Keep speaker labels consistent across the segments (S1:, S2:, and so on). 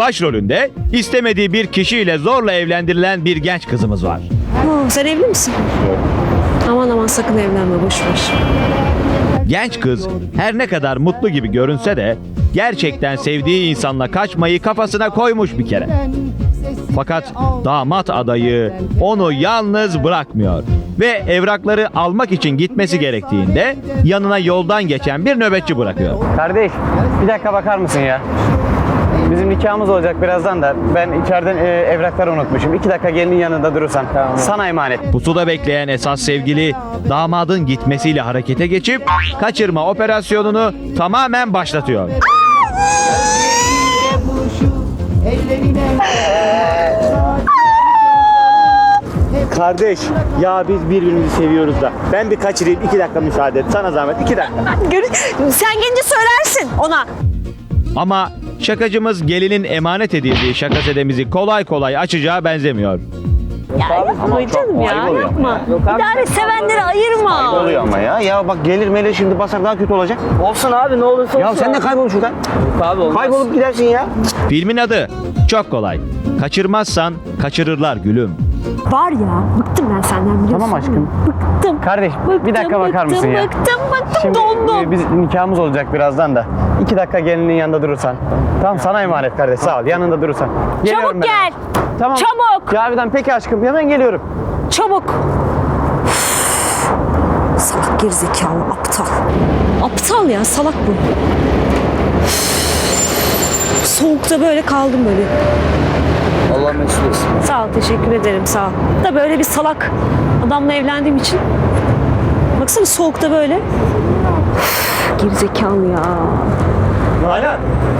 S1: Başrolünde istemediği bir kişiyle zorla evlendirilen bir genç kızımız var.
S2: Sen evli misin? Yok. Aman aman sakın evlenme, boş ver.
S1: Genç kız her ne kadar mutlu gibi görünse de gerçekten sevdiği insanla kaçmayı kafasına koymuş bir kere. Fakat damat adayı onu yalnız bırakmıyor ve evrakları almak için gitmesi gerektiğinde yanına yoldan geçen bir nöbetçi bırakıyor.
S3: Kardeş, bir dakika bakar mısın ya? Bizim nikahımız olacak birazdan da ben içeriden evrakları unutmuşum. 2 dakika gelinin yanında durursan. Tamam. Sana emanet.
S1: Pusuda bekleyen esas sevgili damadın gitmesiyle harekete geçip kaçırma operasyonunu tamamen başlatıyor.
S3: Kardeş, ya biz birbirimizi seviyoruz da. Ben bir kaçırayım, 2 dakika müsaade et. Sana zahmet, 2 dakika.
S2: Sen gelince söylersin ona.
S1: Ama şakacımız gelinin emanet edildiği şakasedemizi kolay kolay açacağı benzemiyor.
S2: Ya yapma canım ya, yapma. İdare sevenleri ayırma.
S3: Oluyor ama ya. Ya bak gelir melir şimdi basar daha kötü olacak.
S4: Olsun abi, ne olursa olsun.
S3: Ya sen de kaybol şuradan.
S4: Abi olmaz.
S3: Kaybolup gidersin ya.
S1: Filmin adı çok kolay. Kaçırmazsan kaçırırlar gülüm.
S2: Var ya, bıktım ben senden biliyorsun.
S3: Tamam aşkım.
S2: Bıktım.
S3: Kardeş, bir dakika bakar mısın ya?
S2: Bıktım,
S3: Şimdi
S2: dondum.
S3: biz nikahımız olacak birazdan da. 2 dakika gelinin yanında durursan. Tamam sana emanet kardeş, sağ ol. Yanında durursan. Geliyorum
S2: Çabuk
S3: ben.
S2: gel.
S3: Tamam.
S2: Çabuk.
S3: Cavidan peki aşkım, hemen geliyorum.
S2: Çabuk. Salak gerizekalı, aptal. Aptal ya, salak bu. Soğukta böyle kaldım böyle.
S4: Allah mesut etsin.
S2: Sağ ol, teşekkür ederim, sağ ol. Da böyle bir salak adamla evlendiğim için. Baksana soğukta böyle. Üf, gerizekalı ya.
S3: Hala.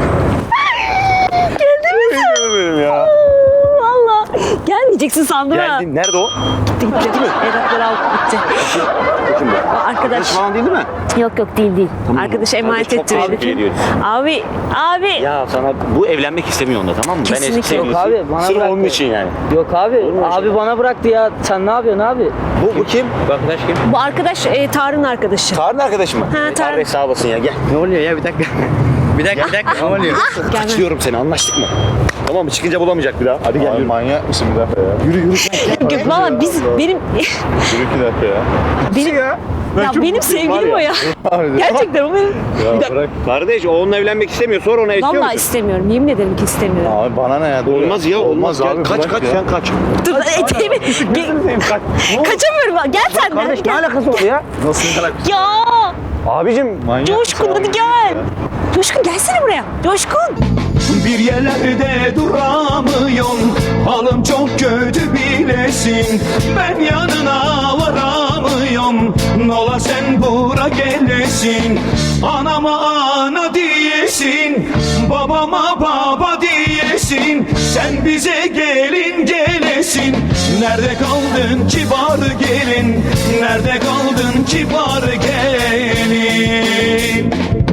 S3: Geldim ya.
S2: Valla gelmeyeceksin sandım ha.
S3: Geldim. Nerede o?
S2: Gitti mi? Evrakları aldı gitti.
S3: Kim bu?
S2: Arkadaş.
S3: Falan değil mi?
S2: Yok değil.
S3: Tamam.
S2: Arkadaş emanet
S3: Çok
S2: etti
S3: pahalı
S2: beni.
S3: bir şey diyorsun.
S2: Abi.
S3: Ya sana bu evlenmek istemiyor onda, tamam mı?
S2: Kesinlikle.
S3: Ben eski
S4: Yok
S3: sevgilisi.
S4: abi, bana
S3: Sırf
S4: bıraktı.
S3: onun için yani.
S4: Yok abi,
S3: Olur mu öyle
S4: abi
S3: şey?
S4: bana bıraktı ya. Sen ne yapıyorsun abi?
S3: Bu kim? Bu arkadaş kim?
S2: Bu arkadaş Tarık'ın arkadaşı.
S3: Tarık'ın arkadaşı mı?
S2: Tarık.
S3: Kardeş sağ olasın ya, gel. Ne oluyor ya, bir dakika. bir dakika. Ne oluyor?
S2: Gelme.
S3: Kaçıyorum seni, anlaştık mı? Tamam mı? Çıkınca bulamayacak bir daha. Hadi gel.
S5: Abi manyak mısın bir dakika ya?
S2: Yok valla benim
S5: Yürü 2 dakika ya.
S2: benim sevgilim o ya.
S5: Abi,
S2: Gerçekten o benim.
S5: ya bırak.
S3: Kardeş o onunla evlenmek istemiyor. Sonra ona istiyor
S2: Vallahi
S3: musun?
S2: istemiyorum. Yemin ederim ki istemiyorum.
S5: Abi bana ne ya? Dur
S3: Olmaz ya, olmaz. Gel,
S5: abi,
S3: kaç
S5: bırak
S3: kaç
S5: ya.
S3: sen kaç.
S2: Dur eteğimi. Kaçamıyorum. Gel sen de.
S3: Kardeş ne
S2: Gel.
S3: alakası var ya?
S5: Nasıl alakası?
S2: Ya
S5: Abicim manyak.
S2: Coşkun hadi gel. Coşkun gelsene buraya. Coşkun.
S6: Bir yerlerde duramıyorum, halim çok kötü bilesin. Ben yanına varamıyorum, nola sen bura gelesin. Anama ana diyesin, babama baba diyesin. Sen bize gelin gelesin. Nerede kaldın kibar gelin, nerede kaldın kibar gelin.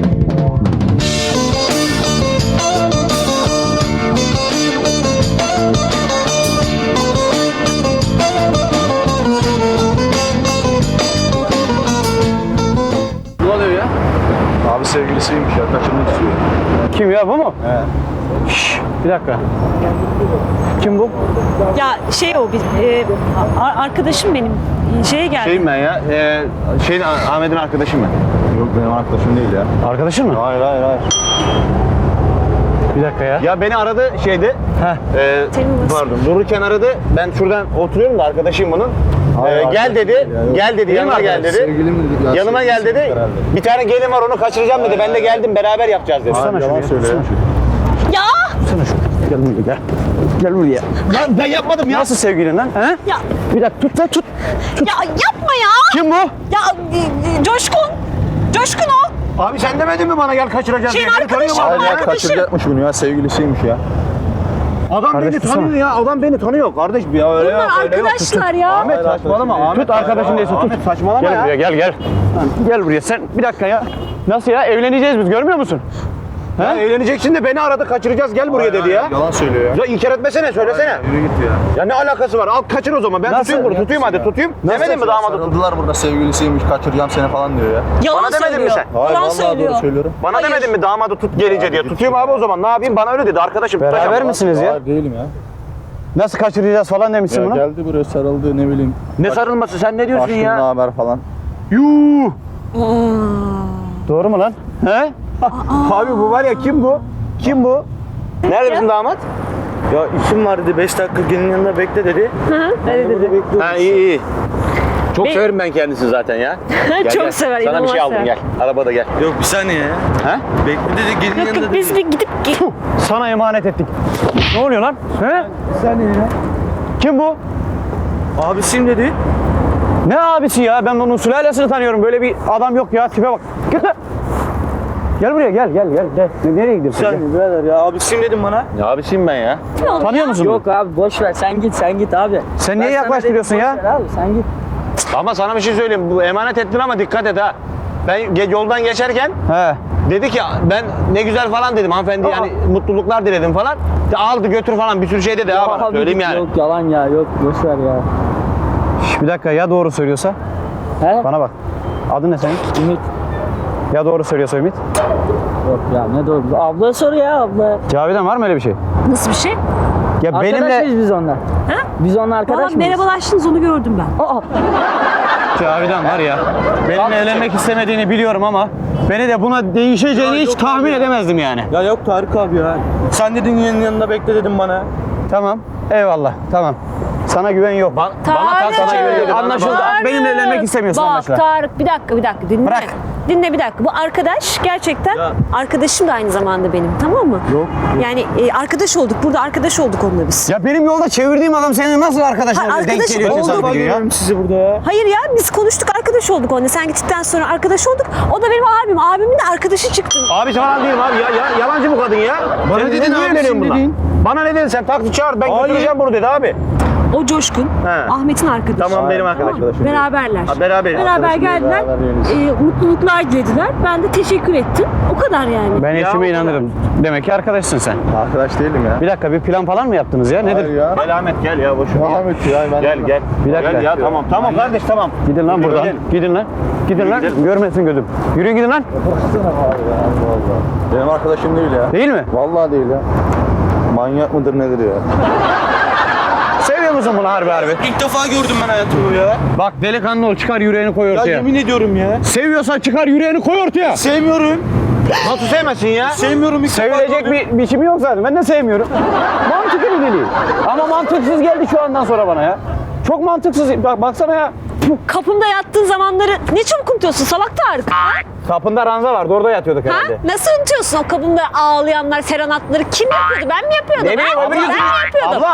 S3: Ne oluyor ya?
S5: Abi sevgilisiymiş ya, kaçırmak istiyor.
S3: Kim ya, bu mu?
S5: He.
S3: Bir dakika. Kim bu?
S2: Ya o arkadaşım benim. Şeye geldi.
S3: Şeyim ben ya. Ahmet'in arkadaşım ben.
S5: Yok benim arkadaşım değil ya.
S3: Arkadaşın mı?
S5: Hayır.
S3: Bir dakika ya. Ya beni aradı şeyde.
S2: Senin nasıl?
S3: Pardon. Dururken aradı. Ben şuradan oturuyorum da arkadaşım bunun.
S5: Hayır,
S3: Gel
S5: arkadaşım
S3: dedi.
S5: değil ya, yok.
S3: Gel dedi. Yanıma gel dedi.
S5: Sevgilim dedi. Ya,
S3: Yanıma gel
S5: sevgilisi
S3: dedi.
S5: herhalde.
S3: Bir tane gelin var onu kaçıracağım dedi. Ben de geldim beraber yapacağız dedi.
S5: Abi yalan söyle ya.
S2: Ya.
S3: Gel buraya gel. Gel buraya. Lan ben yapmadım ya. Nasıl sevgilin lan? He?
S2: Ya.
S3: Bir dakika tut lan tut.
S2: Ya yapma ya.
S3: Kim bu?
S2: Ya Coşkun. Coşkun o.
S3: Abi sen demedin mi bana gel kaçıracağız
S2: Şeyin
S3: diye? Beni tanıyor
S2: arkadaşı
S3: mu
S2: var.
S3: adam
S5: Hayır ya,
S2: Arkadaşım.
S5: kaçıracakmış bunu ya, sevgilisiymiş ya.
S3: Adam
S5: Kardeş,
S3: beni
S5: tutsana.
S3: tanıyor ya. Adam beni tanıyor kardeş. Ya öyle
S2: Bunlar
S3: yok, öyle yok.
S2: arkadaşlar ya.
S3: Ahmet
S5: Hayır,
S3: saçmalama.
S5: arkadaşım
S3: Ahmet
S5: değil.
S3: tut arkadaşın değilse tut.
S5: Ahmet saçmalama
S3: Gel
S5: ya.
S3: buraya gel. Gel buraya sen bir dakika ya. Nasıl ya, evleneceğiz biz, görmüyor musun? Ya eğleneceksin de beni aradı, kaçıracağız, gel buraya dedi ya.
S5: Yalan söylüyor ya.
S3: Ya inkar etmesene, söylesene.
S5: Yürü git ya.
S3: Ya ne alakası var? Al kaçır o zaman. Ben
S5: Nasıl?
S3: tutayım bunu. Tutayım hadi, tutayım. Demedin mi damadı?
S5: Sarıldılar burada, sevgilisiymiş, kaçıracağım seni falan diyor ya.
S2: Yalan
S3: Bana demedin mi
S2: söylüyor.
S3: sen?
S5: Hayır,
S2: Yalan
S5: vallahi
S2: söylüyor.
S5: doğru söylüyorum.
S3: Bana
S2: Hayır.
S3: demedin mi damadı tut gelince diye? Tutayım abi o zaman. Ne yapayım? Bana öyle dedi. Arkadaşım tutacağım.
S7: Beraber misiniz ya?
S5: Hayır değilim ya.
S7: Nasıl kaçıracağız falan demişsin
S5: Ya
S7: bunu.
S5: geldi buraya sarıldı, ne bileyim.
S3: Ne sarılması? Sen ne diyorsun
S5: Aşkım, ne
S3: ya?
S5: haber falan.
S3: Yuh!
S7: Doğru mu lan? He?
S3: Abi bu var ya, kim bu? Kim bu? Nerede bizim damat?
S7: Ya işim var dedi, 5 dakika gelin yanında bekle dedi.
S2: Öyle dedi.
S3: Ha iyi iyi. Çok
S2: Be-
S3: severim ben kendisini zaten ya.
S2: Çok sever,
S3: Sana bir şey
S2: inanılmaz
S3: aldım,
S2: sever.
S3: gel. Arabada gel.
S7: Yok bir saniye ya.
S3: Ha?
S7: Bekle dedi, gelin
S2: Yok
S7: yanında
S2: yok
S7: dedi.
S2: biz bir gidip
S7: Sana emanet ettik. Ne oluyor lan? He? Bir saniye ya.
S3: Kim bu?
S7: Abisim dedi. Ne abisi ya? Ben onun sülalesini tanıyorum. Böyle bir adam yok ya. Tipe bak. Git lan. Gel buraya gel. Nereye gidiyorsun?
S4: Sen birader ya abisim dedim bana.
S3: Ya abisiyim ben ya.
S7: Tanıyor musun?
S4: Yok abi boş ver sen git abi.
S7: Sen niye
S4: Ben sana
S7: yaklaştırıyorsun
S4: dedim,
S7: ya?
S4: boş ver Abi sen git.
S3: Ama sana bir şey söyleyeyim. Bu emanet ettin ama dikkat et ha. Ben yoldan geçerken
S7: He.
S3: dedi ki ben ne güzel falan dedim. Hanımefendi yani mutluluklar diledim falan. De aldı götür falan bir sürü şey dedi ha bana.
S4: Abi
S3: Söyleyeyim
S4: git,
S3: yani.
S4: Yok yalan ya yok boş ver ya.
S7: Şş, bir dakika ya doğru söylüyorsa?
S4: He?
S7: Bana bak. Adın ne senin?
S4: Ümit.
S7: Ya doğru söylüyorsa Ümit?
S4: Yok ya ne doğru. Abla sor ya abla.
S7: Cavidan var mı öyle bir şey?
S2: nasıl bir şey?
S7: Ya
S4: Arkadaş
S7: benimle
S4: mıyız biz onunla?
S2: Ha?
S4: Biz onunla
S2: Valla
S4: arkadaş mıyız?
S2: merhabalaştınız onu gördüm ben.
S4: Aa,
S7: Cavidan var ya. Benimle evlenmek istemediğini biliyorum ama beni de buna değişeceğini hiç tahmin edemezdim yani.
S8: Ya yok Tarık abi ya. Sen dedin yanında bekle dedim bana.
S7: Tamam. Eyvallah. Tamam. Sana güven yok.
S3: Bana
S2: Tarık.
S3: sana güveniyor dedi.
S7: Anlaşıldı.
S2: Tarık.
S7: Benimle evlenmek istemiyorsun
S2: Bak
S7: anlaşılan.
S2: Tarık bir dakika dinle.
S7: Bırak.
S2: Dinle bir dakika. Bu arkadaş gerçekten arkadaşım da aynı zamanda benim, tamam mı?
S7: Yok.
S2: Yani arkadaş olduk. Burada arkadaş olduk onunla biz.
S7: Ya benim yolda çevirdiğim adam senin nasıl arkadaşın
S2: Hayır,
S7: oluyor? Denk
S2: arkadaş
S7: geliyor
S2: olduk.
S7: tesadüf ediyor ya.
S8: Görüyorum sizi burada ya.
S2: Hayır ya biz konuştuk, arkadaş olduk onunla. Sen gittikten sonra arkadaş olduk. O da benim abim. Abimin de arkadaşı çıktı.
S3: Abi falan değilim abi ya, yalancı bu kadın ya.
S7: Bana
S3: Sen
S7: dedin
S3: niye
S7: abi,
S3: evleniyorsun
S7: şimdi
S3: bununla?
S7: dedin.
S3: Bana ne dedin sen? Taksi çağır ben
S7: Hayır.
S3: götüreceğim bunu dedi abi.
S2: O Coşkun,
S3: He.
S2: Ahmet'in arkadaşı.
S3: Tamam benim arkadaşım.
S2: Beraberler.
S3: Ha, beraberiz.
S2: Beraber
S3: Arkadaşım
S2: geldiler. Mutluluklar dilediler. Ben de teşekkür ettim. O kadar yani.
S7: Ben
S3: Ya
S7: eşime
S3: o
S7: inanırım. Demek ki arkadaşsın sen.
S5: Arkadaş değilim ya.
S7: Bir dakika bir plan falan mı yaptınız ya? Nedir?
S5: Hayır ya.
S3: Gel Ahmet gel ya boş ver.
S5: Ne Ahmet ya, ben
S3: Gel.
S7: Bir dakika.
S3: Gel ya tamam kardeş tamam.
S7: Gidin lan buradan.
S3: Gidelim.
S7: Gidin lan. Gidin lan. Görmesin gözüm. Yürüyün gidin lan.
S5: Benim arkadaşım değil ya.
S7: Değil mi?
S5: Vallahi değil ya. Manyak mıdır nedir ya?
S7: Seviyor musun bunu harbi?
S8: İlk defa gördüm ben hayatımda ya.
S7: Bak delikanlı ol, çıkar yüreğini koy
S8: Ya
S7: ortaya.
S8: yemin ediyorum ya.
S7: Seviyorsan çıkar yüreğini koy ortaya.
S8: Sevmiyorum.
S3: Nasıl sevmesin ya?
S8: Sevmiyorum ilk defa
S7: Sevilecek
S8: gördüm.
S7: bir biçimi yok zaten. Ben de sevmiyorum. Mantıklı bir deli. Ama mantıksız geldi şu andan sonra bana ya. Çok mantıksız. Bak baksana ya.
S2: Kapımda yattığın zamanları ne çabuk unutuyorsun salak Tarık? Ha?
S7: Kapında ranza vardı. Orada yatıyorduk
S2: Ha?
S7: herhalde.
S2: Nasıl unutuyorsun o kapımda ağlayanlar, serenatları kim yapıyordu? Ben mi yapıyordum?
S3: Ne bileyim
S2: ha?
S3: öbür
S2: Ben
S3: yüzü.
S2: mi yapıyordum?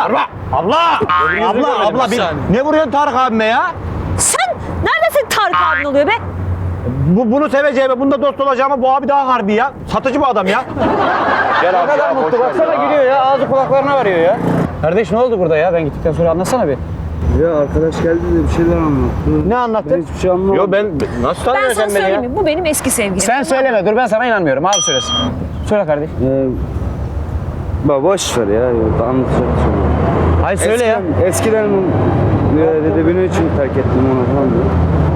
S3: Abla ne vuruyorsun Tarık abime ya?
S2: Sen nerede senin Tarık abin oluyor be?
S3: Bunu seveceğime, bunda dost olacağıma bu abi daha harbi ya. Satıcı bu adam ya. Gel
S7: Ne
S3: abi
S7: kadar
S3: ya, boş
S7: mutlu.
S3: ver
S7: Baksana
S3: ya.
S7: gülüyor ya. Ağzı kulaklarına varıyor ya. Kardeş ne oldu burada ya? Ben gittikten sonra anlatsana bir.
S8: Ya arkadaş geldi de bir şeyler anlattı.
S7: Ne anlattı?
S8: Hiçbir şey anlamadım.
S3: Yo ben nasıl
S2: Ben
S3: tanıyorsun
S2: sana
S3: sen beni ya?
S2: söyleyeyim mi? Bu benim eski sevgilim.
S7: Sen söyleme. Dur ben sana inanmıyorum. Abi söylesin. Söyle kardeş.
S8: Bak boş ver ya. Anlatacağım sonra.
S7: Hayır söyle ya.
S8: Eskiden dedi benim için terk ettim onu falan diyor.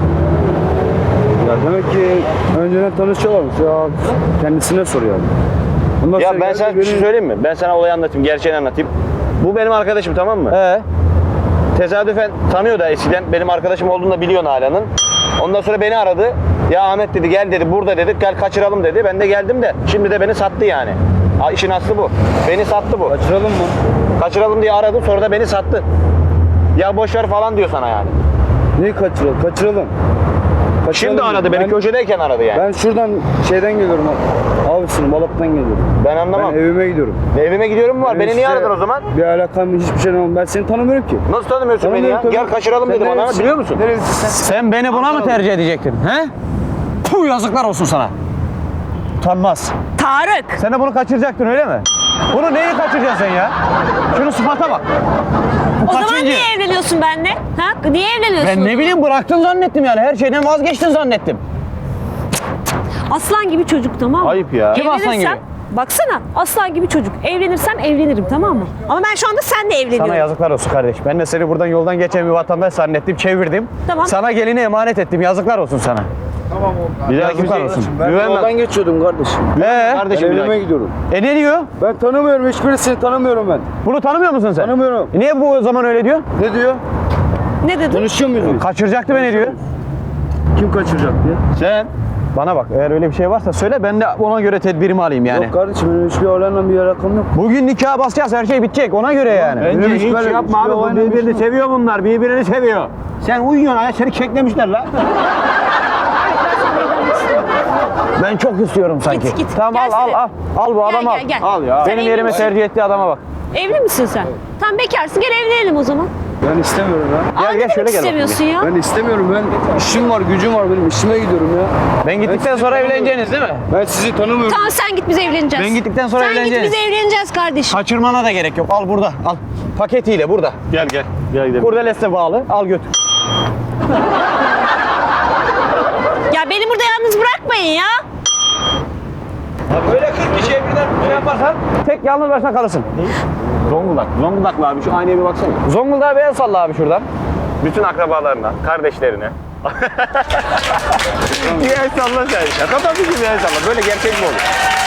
S8: Ya demek ki önceden tanışıyorlarmış ya. Kendisine soruyor. Ondan
S3: Ya
S8: sonra
S3: ben
S8: geldi
S3: sana bir şey
S8: beni-
S3: söyleyeyim mi? Ben sana olayı anlatayım, gerçeğini anlatayım. Bu benim arkadaşım, tamam mı? Tesadüfen tanıyor da eskiden benim arkadaşım olduğunu da biliyor Nalan'ın. Ondan sonra beni aradı. Ya Ahmet dedi gel dedi burada dedi gel kaçıralım dedi. Ben de geldim de şimdi de beni sattı yani. Ha, işin aslı bu. Beni sattı bu.
S8: Kaçıralım mı?
S3: Kaçıralım diye aradı sonra da beni sattı. Ya boş ver falan diyor sana yani.
S8: Neyi kaçıralım? Kaçıralım.
S3: Şimdi aradı beni, köşedeyken aradı yani.
S8: Ben şuradan şeyden geliyorum. Abisinin Balık'tan geliyorum.
S3: Ben anlamam.
S8: Ben evime gidiyorum.
S3: Evime gidiyorum mu var? Beni niye aradın o zaman?
S8: Bir alakam hiçbir şey olmam. Ben seni tanımıyorum ki.
S3: Nasıl tanımıyorsun beni ya?
S8: Tanımıyorum,
S3: Gel
S8: tabii.
S3: kaçıralım
S8: Sen
S3: dedim bana.
S8: nerelisin?
S3: Biliyor musun?
S8: Nerelisin sen?
S7: Sen beni buna mı tercih edecektin? He? Puh yazıklar olsun sana. Utanmaz.
S2: Tarık.
S7: Sen de bunu kaçıracaktın öyle mi? Bunu neyi kaçıracaksın sen ya? Şunu sıfata bak. Bu
S2: O zaman
S7: kaçıncı?
S2: niye evleniyorsun benimle? Ha? Niye evleniyorsun?
S7: Ben ne bileyim bıraktın zannettim yani. Her şeyden vazgeçtin zannettim.
S2: Aslan gibi çocuk, tamam mı?
S3: Ayıp ya.
S7: Kim aslan gibi?
S2: Evlenirsem Baksana aslan gibi çocuk. Evlenirsem evlenirim, tamam mı? Ama ben şu anda seninle evleniyorum.
S7: Sana yazıklar olsun kardeş. Ben de seni buradan yoldan geçen bir vatandaş zannettim, çevirdim.
S2: Tamam.
S7: Sana gelini emanet ettim. Yazıklar olsun sana.
S3: Bir daha
S7: Yazıklar olsun.
S8: Ben
S3: Güvenme.
S8: yoldan geçiyordum kardeşim.
S7: Ben
S3: Kardeşim bir
S8: evime
S3: daha.
S8: gidiyorum.
S7: ne diyor?
S8: Ben tanımıyorum, hiçbirisini tanımıyorum ben.
S7: Bunu tanımıyor musun sen?
S8: Tanımıyorum.
S7: Niye bu o zaman öyle diyor?
S8: Ne diyor?
S2: Ne dedin?
S8: Konuşuyor muyuz biz?
S7: Kaçıracaktı beni diyor.
S8: Kim kaçıracak diye?
S3: Sen
S7: Bana bak, eğer öyle bir şey varsa söyle, ben de ona göre tedbirimi alayım yani.
S8: Yok kardeşim, benim hiçbir olayla bir alakam yok.
S7: Bugün nikaha basacağız, her şey bitecek ona göre yani.
S3: bence
S8: hiç
S3: hiç
S8: böyle-
S3: yapma abi.
S8: hiçbir
S3: Bu
S8: olayla bir
S3: birbirini
S8: şey yok.
S3: seviyor bunlar. Birbirini seviyor. Sen uyuyorsun ya. Seni keklemişler la.
S7: Ben çok istiyorum sanki.
S2: Git, git.
S7: Tamam
S2: Gelsene.
S7: Al bu adamı al.
S2: Gel.
S3: Al ya.
S2: Sen
S7: Benim
S2: evli
S7: yerime
S2: misin?
S7: tercih ettiği adama bak.
S2: Evli misin sen? Tam bekarsın, gel evlenelim o zaman.
S8: Ben istemiyorum ya.
S7: Gel,
S2: Aa,
S7: gel,
S2: ne demek
S7: şöyle gel bakayım.
S2: istemiyorsun ya?
S8: Ben istemiyorum, ben işim var, gücüm var benim, işime gidiyorum ya.
S7: Ben gittikten sonra evleneceğiniz değil mi?
S8: Ben sizi tanımıyorum.
S2: Tamam sen git, biz evleneceğiz.
S7: Ben gittikten sonra
S2: sen
S7: evleneceğiz.
S2: Sen git, biz evleneceğiz kardeşim.
S7: Kaçırmana da gerek yok. Al burada. Al. Paketiyle burada.
S3: Gel gel. Gel gidelim.
S7: Kurdelesle bağlı. Al götür.
S2: Ya beni burada yalnız bırakmayın ya.
S7: Böyle 40 kişiye birden şey yaparsan tek yalnız başına kalırsın.
S3: Zonguldak. Zonguldaklı abi. Şu aynaya bir baksana.
S7: Zonguldak'a bir el salla abi şuradan.
S3: Bütün akrabalarına, kardeşlerine. bir el salla sen. Şaka tabii ki bir el salla. Böyle gerçek mi olur?